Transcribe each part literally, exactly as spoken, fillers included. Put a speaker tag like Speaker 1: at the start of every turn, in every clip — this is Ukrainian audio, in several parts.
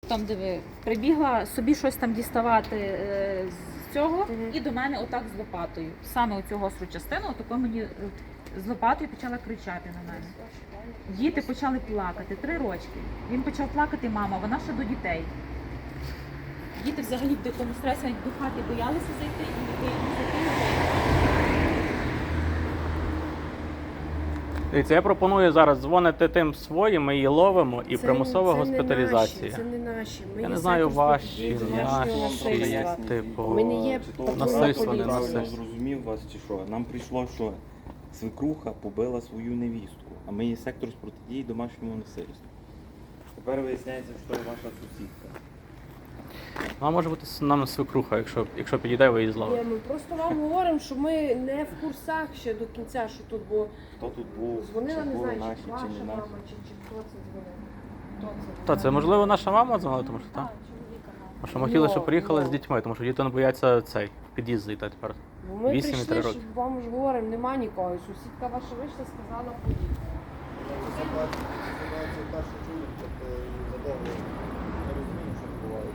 Speaker 1: Потім диви, прибігла собі щось там діставати е, з цього,
Speaker 2: Угу.
Speaker 1: і до мене отак з лопатою. Саме оцю гостру частину, отако мені е, з лопатою почала кричати на мене. Діти почали плакати, три рочки. Він почав плакати, мама, вона ще до дітей. Діти взагалі в дикому стресі, навіть до хати боялися зайти і не зайти.
Speaker 3: Дивіться, я пропоную зараз дзвонити тим своїм, ми її ловимо і
Speaker 2: Це-
Speaker 3: примусова
Speaker 2: це не
Speaker 3: госпіталізація.
Speaker 2: наші, Це не наші. Ми
Speaker 3: Я
Speaker 2: є
Speaker 3: не знаю,
Speaker 2: сектор
Speaker 3: ваші,
Speaker 2: протидії домашнього
Speaker 3: наші,
Speaker 2: насильства.
Speaker 3: типу,
Speaker 2: Ми не є
Speaker 4: Чи то
Speaker 2: патрульна
Speaker 3: насильство, не
Speaker 2: поліція.
Speaker 4: правильно
Speaker 3: насильство.
Speaker 4: зрозумів вас чи що. Нам прийшло, що свекруха побила свою невістку, а ми є сектор з протидії домашньому насильству. Тепер виясняється, що це ваша сусідка.
Speaker 3: Вона може бути с- нам свекруха, якщо, якщо підійде, ви її
Speaker 2: Ні,
Speaker 3: зловите.
Speaker 2: ми просто вам говоримо, що ми не в курсах ще до кінця, що тут було.
Speaker 4: Хто тут був,
Speaker 2: Дзвонила,
Speaker 4: чи
Speaker 2: не
Speaker 4: були
Speaker 2: знаю,
Speaker 4: наші,
Speaker 2: чи ваша
Speaker 4: чи не
Speaker 2: мама,
Speaker 4: наші.
Speaker 2: чи, чи хто це дзвонив. Хто це?
Speaker 3: Та це можливо наша мама дзвонила, тому що так. Тому що ми хотіли, щоб
Speaker 2: Ну,
Speaker 3: приїхали
Speaker 2: ну.
Speaker 3: з дітьми, тому що діти не бояться цей в під'їзд зайти тепер.
Speaker 2: Бо ми
Speaker 3: Вісім і три
Speaker 2: прийшли,
Speaker 3: роки.
Speaker 2: щоб вам ж говоримо, нема нікого. І сусідка ваша вийшла, сказала, поїхали.
Speaker 5: Ситуацію першу чую, тобто задовго не розумію, що відбувається.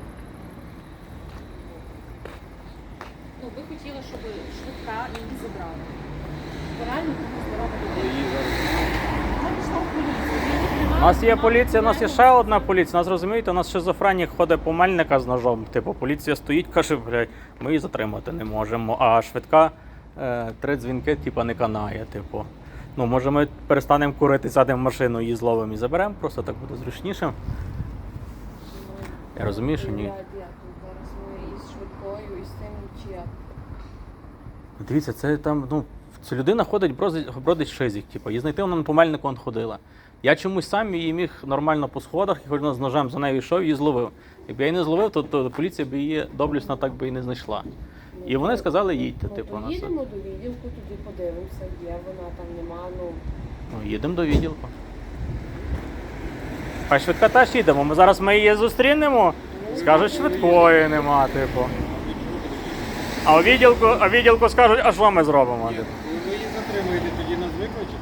Speaker 1: Ну, ви хотіли, щоб швидка її забрала. Реально комусь здорова
Speaker 4: Але
Speaker 1: людина.
Speaker 4: її зараз
Speaker 1: Вона пішла в поліцію.
Speaker 3: У нас є поліція, у нас є ще одна поліція. Нас розумієте, у нас шизофренік ходить по Мельника з ножом. Типу, поліція стоїть, каже, блядь, ми її затримати не можемо. А швидка е, три дзвінки, типу, не канає. Типу. Ну, може, ми перестанемо курити, сядемо в машину, її зловимо і заберемо, просто так буде зручніше. Я розумію, що ні.
Speaker 2: Я, я тут зараз ми із швидкою, і з тим, чи як.
Speaker 3: Дивіться, це там, ну, ця людина ходить, бродить, бродить шизик, типу, її знайти вона по Мельнику он ходила. Я чомусь сам її міг нормально по сходах, і хоч вона з ножем за нею йшов, її зловив. Якби я її не зловив, то, то поліція б її доблісно так би і не знайшла. І вони сказали, їдьте,
Speaker 2: Ну,
Speaker 3: типу,
Speaker 2: то
Speaker 3: на це.
Speaker 2: їдемо до відділку, тоді подивимося, є вона, там нема, ну.
Speaker 3: Ну, їдемо до відділку. А швидка теж їдемо. Ми зараз ми її зустрінемо, скажуть, швидкої нема, типу. А у відділку, а у відділку скажуть, а що ми зробимо? Типу.
Speaker 5: Ви її затримуєте, тоді нас викличете?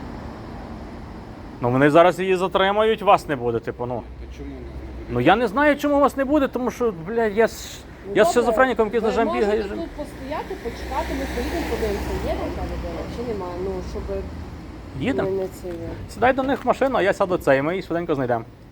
Speaker 3: Ну вони зараз її затримають, вас не буде, типу, ну.
Speaker 5: То чому нас не буде?
Speaker 3: Ну я не знаю, чому вас не буде, тому що, блядь, я, з- я з шизофреніком, який з ножем бігає.
Speaker 2: Ви
Speaker 3: і
Speaker 2: можете
Speaker 3: жив-
Speaker 2: тут постояти, почекати, ми поїдемо, подивимося, є там та людина, чи нема, ну, щоб
Speaker 3: Їдемо.
Speaker 2: ми не це.
Speaker 3: Сідай до них в машину, а я сяду цей, ми її швиденько знайдемо.